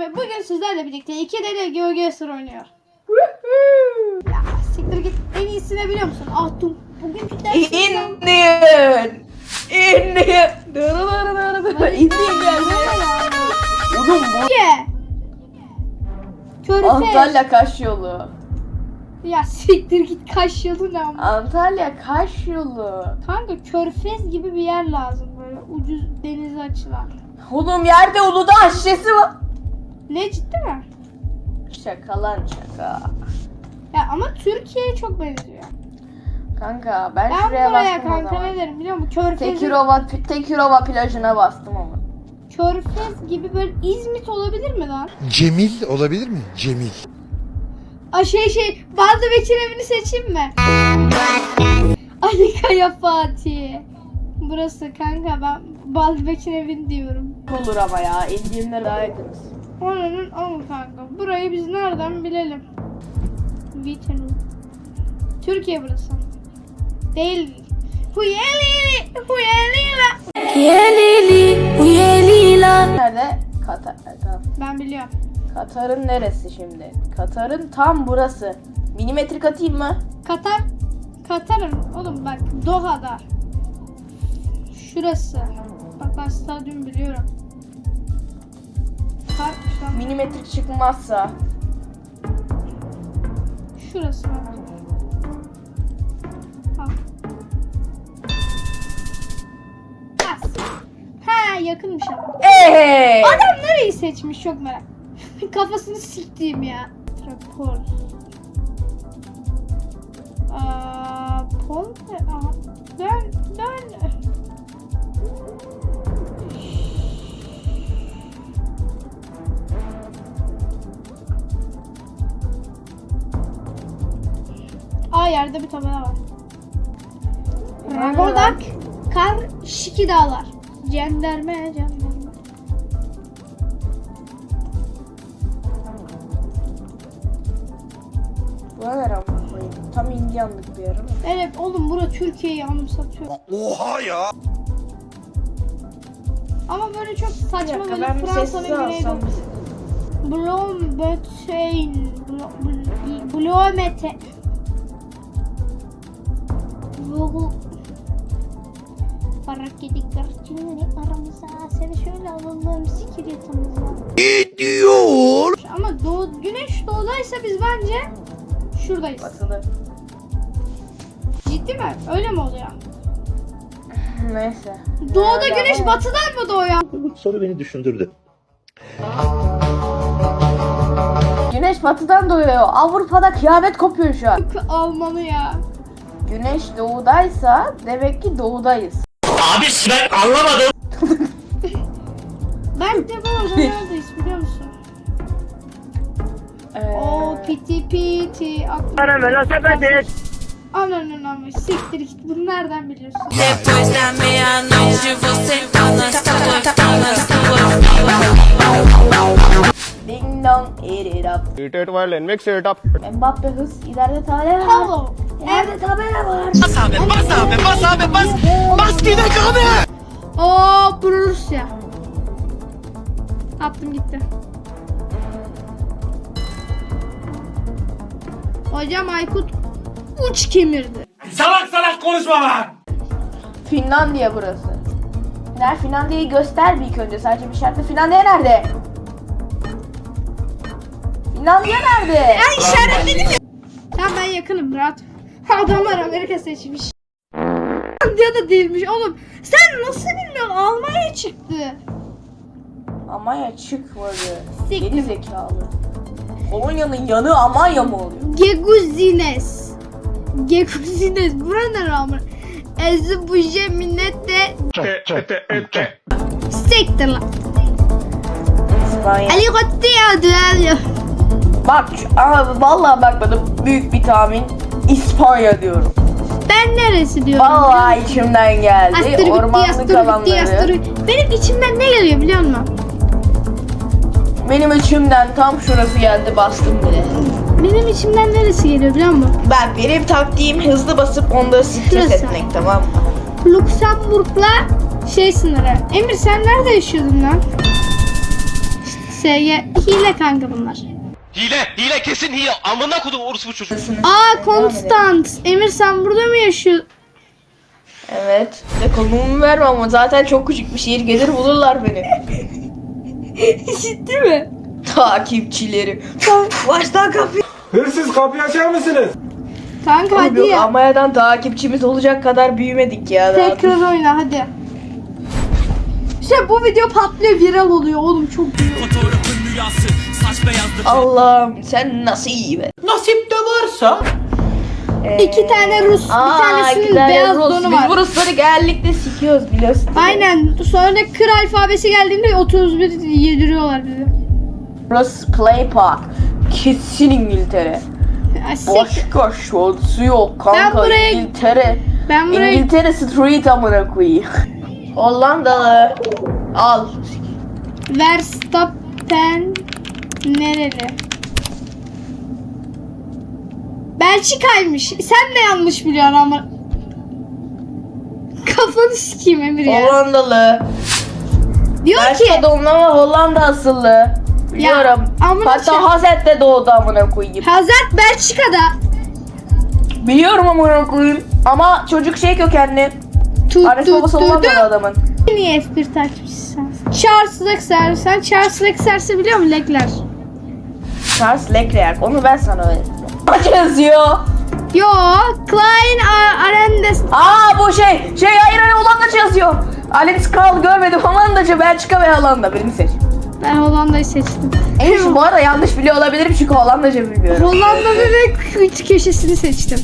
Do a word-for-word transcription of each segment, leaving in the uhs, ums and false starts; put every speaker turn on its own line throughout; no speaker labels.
ve bugün sizlerle birlikte iki deli GeoGuessr oynuyor. Ya siktir git, en iyisini biliyor musun? Ahtum. Bugünkü ders
İndir. İndir. İndir geldi. Oğlum bu.
Ye. Körfez.
Antalya Kaş yolu.
Ya siktir git, Kaş yolu ne ama?
Antalya Kaş yolu.
Kanka Körfez gibi bir yer lazım, böyle ucuz denize açılan.
Oğlum yerde Uludağ şişesi var.
Ne, ciddi mi?
Şaka lan şaka.
Ya ama Türkiye'ye çok benziyor.
Kanka ben,
Ben
şuraya
buraya
bastım o
kanka
zaman.
ne derim biliyor musun? Körfez,
Tekirova, Tekirova plajına bastım ama.
Körfez gibi böyle İzmit olabilir mi lan?
Cemil olabilir mi? Cemil.
Ay şey şey, Baldı Bekir evini seçeyim mi? Ali Kaya Fatih. Burası kanka, ben Baldı Bekir evini diyorum.
Olur ama ya, indiğimde daha yakınız.
Oranın ama kanka. Burayı biz nereden bilelim? Biten. Türkiye burası. Değil. Huyelili, huyelila.
Huyelili, huyelila.
Nerede? Katar. Tamam.
Ben biliyorum.
Katar'ın neresi şimdi? Katar'ın tam burası. Milimetrik atayım mı?
Katar, Katar'ın oğlum bak Doha'da. Şurası. Bak ben stadyum biliyorum. Katar,
Milimetrik çıkmazsa.
şurası bak. Bak. Bas. Ha, yakınmış ama.
Eee!
Adam nereyi seçmiş, çok merak. Kafasını siktiğim ya. Rapor. Aa, Pol ne? Aa, dön, dön. Aa, yerde bir tabela var. Ragodak, Kar, Şiki Dağlar. Cenderme, cenderme.
Buna ne rampa koyayım? Tam indiyanlık bir yer ama.
Evet oğlum, bura Türkiye'yi anımsatıyor.
Oha ya.
Ama böyle çok
Bir
saçma,
dakika,
böyle
ben bir
Fransa'nın
sessiz
güneydoğu.
alsam.
Bloemfontein, Bloemete. Vogel. Barak yedik garçinleri aramıza. Seni şöyle alalım sikir yatımıza.
Ne diyor?
Ama doğu, güneş doğudaysa biz bence şuradayız.
Batılı.
Ciddi mi? Öyle mi oluyor?
Neyse.
Doğuda
Nerede
güneş
ama?
batıdan mı doğuyor?
Bu soru beni düşündürdü.
Güneş batıdan doğuyor. Avrupa'da kıyamet kopuyor şu an.
Almanı ya.
Güneş doğudaysa demek ki doğudayız.
Abi ben anlamadım.
Ben de bu arada neredeyiz biliyor musun?
Ee,
Oo piti piti.
Bana münasebet.
Ananın ama siktir git, bunu nereden biliyorsun?
Depois da meia-noite você tá nas tuas, tá nas tuas.
Ding dong, eat it up.
Eat it while and mix it up.
Mbappe hız, ileride tabela var.
Hello.
İleride tabela var.
Bas abi bas abi bas abi bas. Bas gidek abi.
Oo Rusya. Attım gitti. Hocam Aykut uç kemirdi.
Salak salak konuşma lan.
Finlandiya burası. Nerede? Finlandiya'yı göster bir ilk önce. Sadece bir şartla. Finlandiya nerede? Finlandiya nerede?
Ben işaretledim ya. Tamam, ben yakınım, rahat. Adamlar Amerika seçmiş. Ya da değilmiş oğlum. Sen nasıl bilmiyorsun? Almanya çıktı.
Almanya çıkmadı.
Siktir.
Geri zekalı. Polonya'nın yanı Almanya mı oluyor?
Geguzines. Geguzines. Bura ne rağmen? Ezbuje minnette siktir lan.
İspanya.
Ali Gotti ya düello.
Bak abi vallahi bak bana büyük bir tahmin. İspanya diyorum.
Ben neresi diyorum?
Vallahi içimden geldi.
Astır bitti,
Ormanlık
astır bitti, astır
alanları.
bitti. Benim içimden ne geliyor biliyor musun?
Benim içimden tam şurası geldi, bastım bile.
Benim içimden neresi geliyor biliyor musun?
Ben benim taktiğim hızlı basıp onda stres
Şurası.
etmek, tamam mı?
Lüksemburg'la şey sınırı. Emir sen nerede yaşıyordun lan? S G hile kanka bunlar.
Hile, hile kesin hile. Amına kodum orospu çocuğu.
Aa Konstant. Emir sen burada mı yaşıyorsun?
Evet. Ve konumu verme ama zaten çok küçük bir şehir, gelir bulurlar beni.
Ciddi mi?
Takipçileri. Baştan kapıyı.
Hırsız kapıyı açar mısınız?
Kanka hadi
Yok,
ya.
Almanya'dan takipçimiz olacak kadar büyümedik ya. daha.
Tekrar oyna hadi. İşte bu video patlıyor, viral oluyor oğlum, çok büyük.
Fotoğrafın rüyası, saç beyazlı.
Allah'ım sen nasıl iyi be.
Nasip de varsa.
Ee,
İki tane Rus, bir
aa,
tanesinin
iki tane
beyaz
Rus.
donu
Biz
var.
bu Rusları genellikle sikiyoruz biliyorsun.
Aynen. Sonra da kır alfabesi geldiğinde otuz bir yediriyorlar bizi.
Rus Play Park. Kesin İngiltere.
Ya, sik-
Başka şansı yok kanka.
Ben buraya-
İngiltere.
Ben buraya
İngiltere Street amına koyayım. Hollandalı. Al.
Verstappen nereli? Belçika'ymış. Sen de yanlış biliyorsun ama. Kafanı sikeyim Emir ya.
Hollandalı.
Diyor ki
Belçika doğumlu ama Hollanda asıllı. Biliyorum.
amına
Hatta
şey-
Hazet'te doğdu amına koyayım.
Hazard Belçika'da.
Biliyorum amına koyayım. Ama çocuk şey kökenli.
Tut
Annesi
tut
babası
tut
Hollandalı adamın.
Niye F bir takipçisi sensin? Charles Leclerc. Sen Charles Leclerc'i biliyor musun Leclerc?
Charles Leclerc. Onu ben sana öğrettim. Kaç yazıyor?
Yo, Klein A- Arendes.
Aa bu şey. Şey hayır hayır Hollandaca yazıyor. Alex Kral görmedim. Hollandaca, Belçika ve Hollanda. Birini seç.
Ben Hollanda'yı seçtim.
En şu bu arada yanlış biliyor olabilirim çünkü Hollandaca bilmiyorum.
Hollanda'nın ve kıyı köşesini seçtim.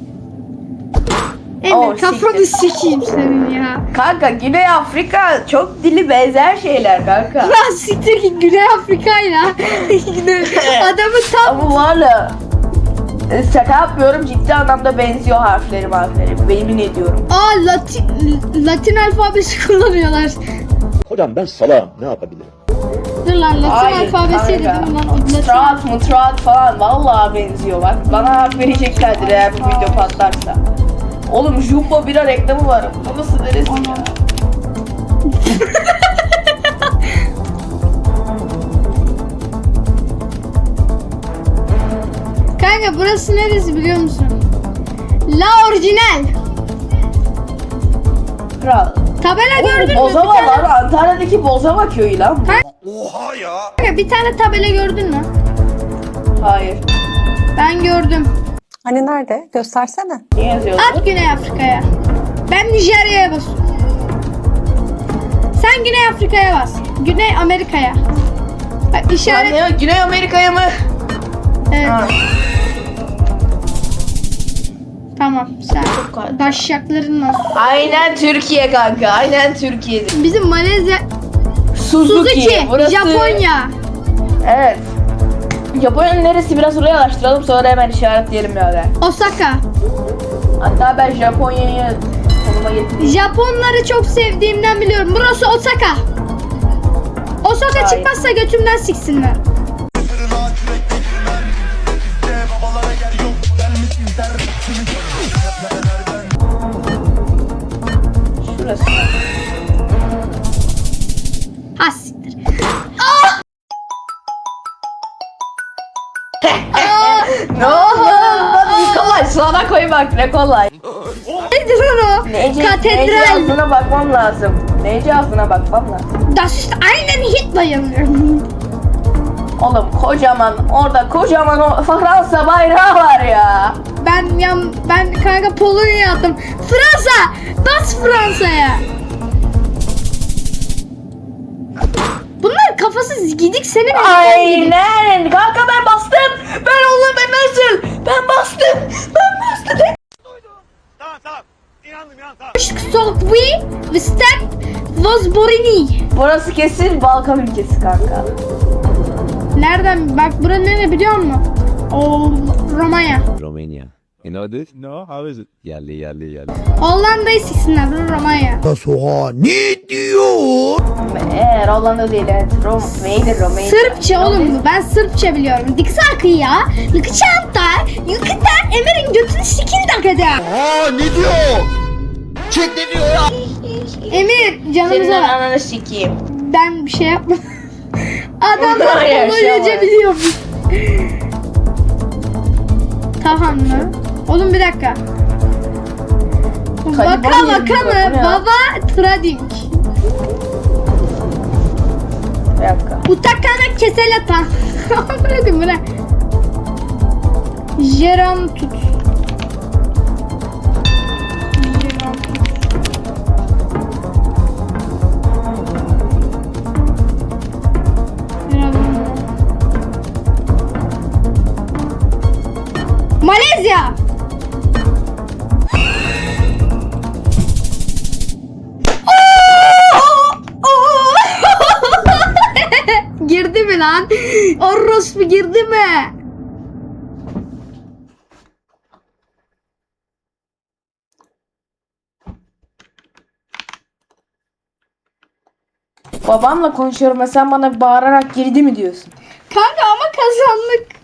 Emir
Oh,
kafanı sikeyim senin ya.
Kanka Güney Afrika çok dili benzer şeyler kanka.
Lan siktir ki Güney Afrika'yla. Adamı tam
Ama valla e, şaka yapmıyorum, ciddi anlamda benziyor harfleri harfleri. Yemin ediyorum.
Aa Latin, Latin alfabesi kullanıyorlar.
Hocam ben salağım, ne yapabilirim?
Dur lan Latin
Hayır,
alfabesi
kanka.
dedim lan. O Latin.
Strat, mutrat falan vallahi benziyor bak. Bana hak vereceklerdir eğer bu video patlarsa. Oğlum Jumbo bira reklamı var. Bu nasıl neresi ya?
Kanka burası neresi biliyor musun? La Orijinal.
Kral.
Tabela gördün mü?
Bozova
Bir tane-
var. Antalya'daki Bozova köyü lan.
Oha ya.
Kanka bir tane tabela gördün mü?
Hayır.
Ben gördüm.
Hani nerede? Göstersene.
Ne yazıyordu?
At Güney Afrika'ya. Ben Nijerya'ya basıyorum. Sen Güney Afrika'ya bas. Güney Amerika'ya. Bak
Yani
işaret.
ne- Güney Amerika'ya mı?
Evet,
Ha.
tamam. Sen
kadar.
daşşaklarınla.
Aynen Türkiye kanka. Aynen Türkiye'dir.
Bizim Malezya,
Suzuki.
Suzuki,
Burası...
Japonya.
Evet. Japonya'nın neresi biraz oraya araştıralım sonra hemen işaretleyelim birader.
Osaka.
Hatta ben Japonya'yı konuma getireyim.
Japonları çok sevdiğimden biliyorum. Burası Osaka. Osaka
Hayır.
çıkmazsa götümden siksinler.
Şurası.
Ha siktir.
Ne oldu? Bak kolay sana koy bak ne kolay.
Nedir lan o?
Nece, Nece
Katedral.
ağzına bakmam lazım. Nece ağzına bakmam lazım.
Das ist aynen Hitler.
Oğlum kocaman orada kocaman o Fransa bayrağı var ya.
Ben yan ben kanka Polonya attım. Fransa! Bas Fransa'ya. Bunlar kafasız gidik senin elinden gidik.
Aynen. Kanka ben bastım. Ben oğlum ben nasıl? Ben bastım. Ben bastım.
Tamam tamam. İnandım inandım tamam.
Sokwi ve Step Vozborini.
Burası kesin Balkan ülkesi kanka.
Nereden? Bak bura nere biliyor musun? O Romanya.
Romania. You know this? No, how is it? Yerli yerli yerli.
Hollanda'yı siksinler. Bura Romanya.
Eğer Hollanda değil evet. Rom neydi Romanya?
Sırpça oğlum bu. Ben Sırpça biliyorum. Diksakı ya. Lıkıçanta. Yıkıta. Emir'in götünü sikin dakika.
Aa ne diyor? Çek ne diyor ya?
Emir
Senin
canımıza.
ananı sikeyim.
Ben bir şey yapmadım. Adamlar
Bunlar
Polonyaca
yaşamaz.
biliyormuş. Tahan mı? Oğlum bir dakika. Vaka
Taliban
vaka
yerinde bak,
mı?
bu ne ya?
Baba trading.
Bir dakika.
Utakana keselata. Bırakın bırak. Jeram tut. Jeram tut. Malezya. Girdi mi lan? Orospu girdi mi?
Babamla konuşuyorum ve sen bana bağırarak girdi mi diyorsun?
Kanka ama kazandık.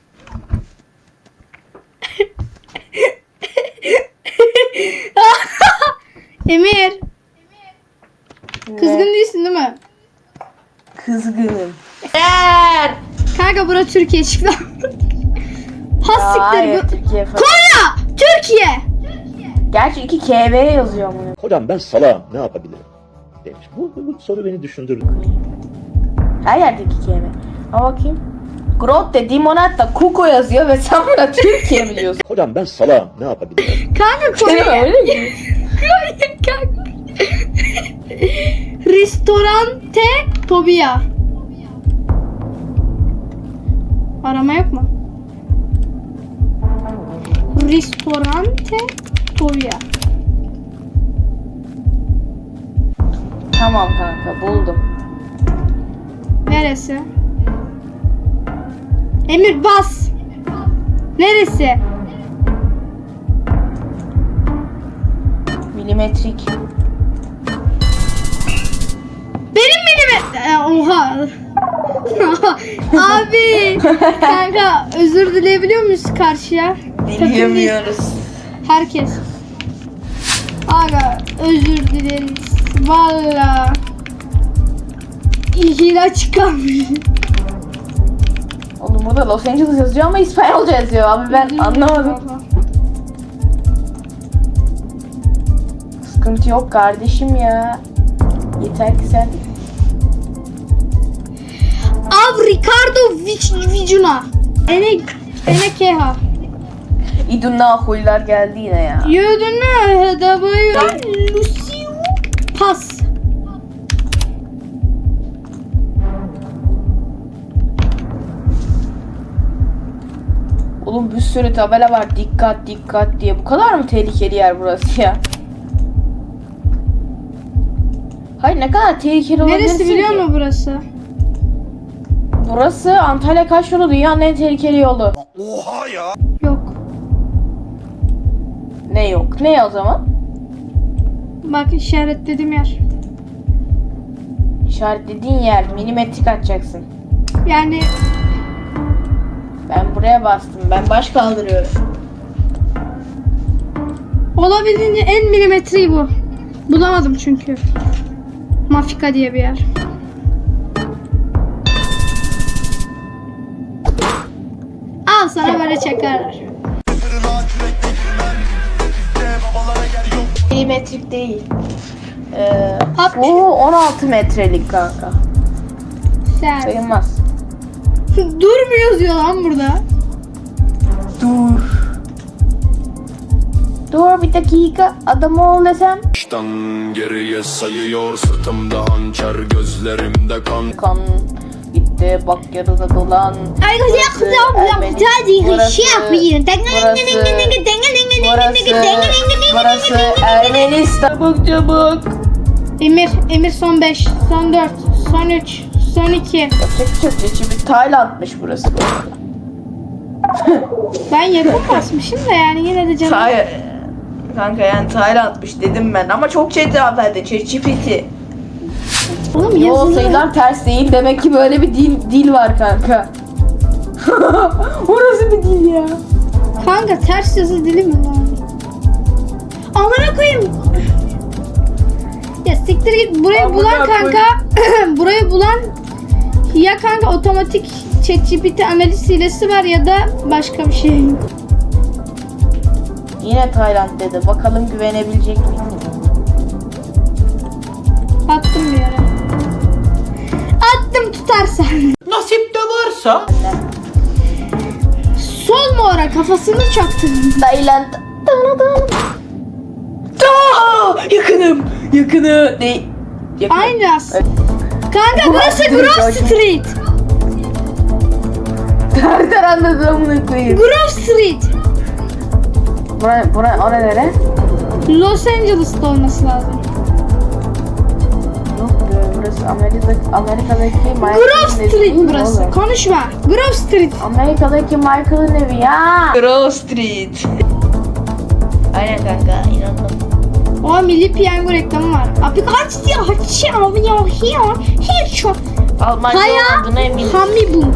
Emir, kızgın değilsin değil mi?
Kızgınım. Eğer.
Kanka bura Türkiye çıktı. Has
Hayır,
siktir bu.
Türkiye falan.
Konya, Türkiye.
Gerçi iki K V yazıyor bunu.
Hocam ben salağım ne yapabilirim? Demiş. Bu, bu, bu soru beni düşündürdü.
Her yerde iki K V. Ama bakayım. Grotte di Monatta Kuko yazıyor ve sen buna Türkiye mi diyorsun?
Hocam ben salağım ne yapabilirim?
Kanka
Değil mi?
Konya.
Öyle mi?
Konya kanka. Ristorante Tobia. Arama yok mu? Ristorante Tobia.
Tamam kanka buldum.
Neresi? Emir bas. Neresi?
Milimetrik.
Benim benim. Ee, oha. Abi. Kanka özür dileyebiliyor muyuz karşıya? Takım değil.
Dileyemiyoruz.
Herkes. Aga özür dileriz. Valla. İhila çıkarmış.
Oğlum burada Los Angeles yazıyor ama İspanyolca yazıyor abi ben anlamadım. Sıkıntı yok kardeşim ya. Yeter ki sen.
Av Ricardo Vic- Vicuna. Ene Ene Keha.
İdunna huylar geldi yine ya.
Yödüne hedabayı. Lucio Pas.
Oğlum bir sürü tabela var dikkat dikkat diye. Bu kadar mı tehlikeli yer burası ya? Hayır ne kadar tehlikeli olabilirsin
Neresi biliyor
ki?
musun burası?
Burası Antalya Kaş yolu dünyanın en tehlikeli yolu.
Oha ya.
Yok.
Ne yok? Ne o zaman?
Bak işaretledim yer.
İşaretlediğin yer milimetrik atacaksın.
Yani
Ben buraya bastım. Ben baş kaldırıyorum.
olabildiğince en milimetreyi bu. Bulamadım çünkü. Mafika diye bir yer. Al sana böyle çakarlar.
Milimetrik değil. Ee,
Hop.
bu on altı metrelik kanka.
Sen.
Sayılmaz.
Dur mu yazıyor lan burada?
Dur. Dur bir dakika. Adam ol desem.
Baştan geriye sayıyor sırtımda hançer gözlerimde kan.
Kan gitti bak yarıda dolan.
Arkadaşlar
Ermeni- burası, burası, burası Ermenistan. Çabuk çabuk.
Emir, Emir son beş, son dört, son üç, son iki.
Yapacak bir şey yok. Şimdi Tayland'mış burası bu arada.
Ben yakın basmışım da yani yine de canım.
Tay Kanka yani Tayland'mış dedim ben ama çok şey cevap verdi. ChatGPT.
Oğlum
Yo
yazılı.
sayılar ters değil. Demek ki böyle bir dil dil var kanka. Orası bir dil ya.
Kanka ters yazı dili mi lan? Amına koyayım. Ya siktir git burayı
Amına
bulan
koyayım.
kanka. Burayı bulan Ya kanka otomatik ChatGPT analiz hilesi var ya da başka bir şey.
Yine Tayland dedi. Bakalım güvenebilecek miyiz?
Attım bir yere. Attım tutarsa.
Nasip de varsa.
Sol mu ora kafasını çaktım.
Tayland. Aa, yakınım. Yakını. Değil. Yakın.
Aynı aslında. Kanka burası Grove Street.
Nereden anladın amına koyayım?
Grove Street.
Bura, bura, o ne nere?
Los Angeles'ta olması lazım.
Yok be, burası Amerika, Amerika'daki Michael'ın
Grove
evi
Street
değil mi
burası.
oğlum?
Konuşma. Grove Street.
Amerika'daki Michael'ın evi ya. Grove Street. Aynen kanka, inandım.
O Milli Piyango reklamı var. Abi kaç diye açıyor ya hiyo. Hiç çok.
Almanca
Haya
olduğuna eminim.
Hamibung.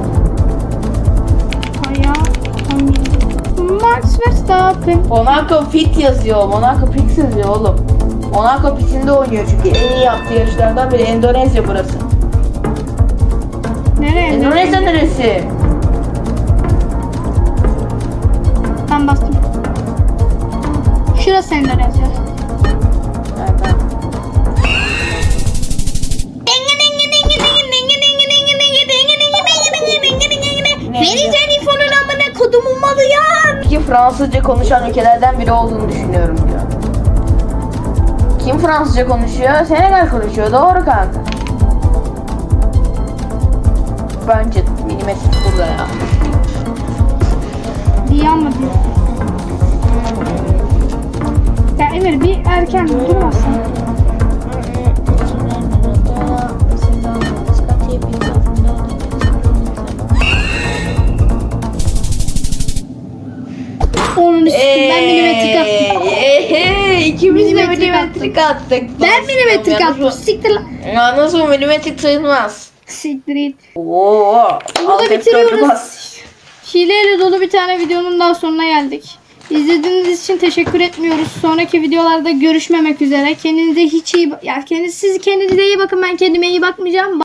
Haya Hamibung. Max Verstappen.
Monaco Pit yazıyor. Monaco Pit yazıyor oğlum. Monaco Pit'inde oynuyor çünkü en iyi yaptığı yarışlardan biri. Endonezya burası.
Nereye?
Endonezya neresi?
Ben bastım. Şurası Endonezya.
Evet, tamam.
Vereceğin infonun amına kodumun malı ya.
Ki Fransızca konuşan ülkelerden biri olduğunu düşünüyorum diyor. Kim Fransızca konuşuyor? Senegal konuşuyor. Doğru kanka. Bence milimetrik burada ya.
Diye ama diyor. Ya Emir bir erken durmasın. Onun üstüne ben milimetrik attım.
Eee, ikimiz de
Milimetrik
milimetrik attık.
Ben milimetrik attım. Siktir lan.
Ya nasıl milimetrik sayılmaz?
Siktir git.
Oo,
Burada bitiriyoruz. Hileyle dolu bir tane videonun daha sonuna geldik. İzlediğiniz için teşekkür etmiyoruz. Sonraki videolarda görüşmemek üzere. Kendinize hiç iyi ya kendiniz siz kendinize iyi bakın. Ben kendime iyi bakmayacağım.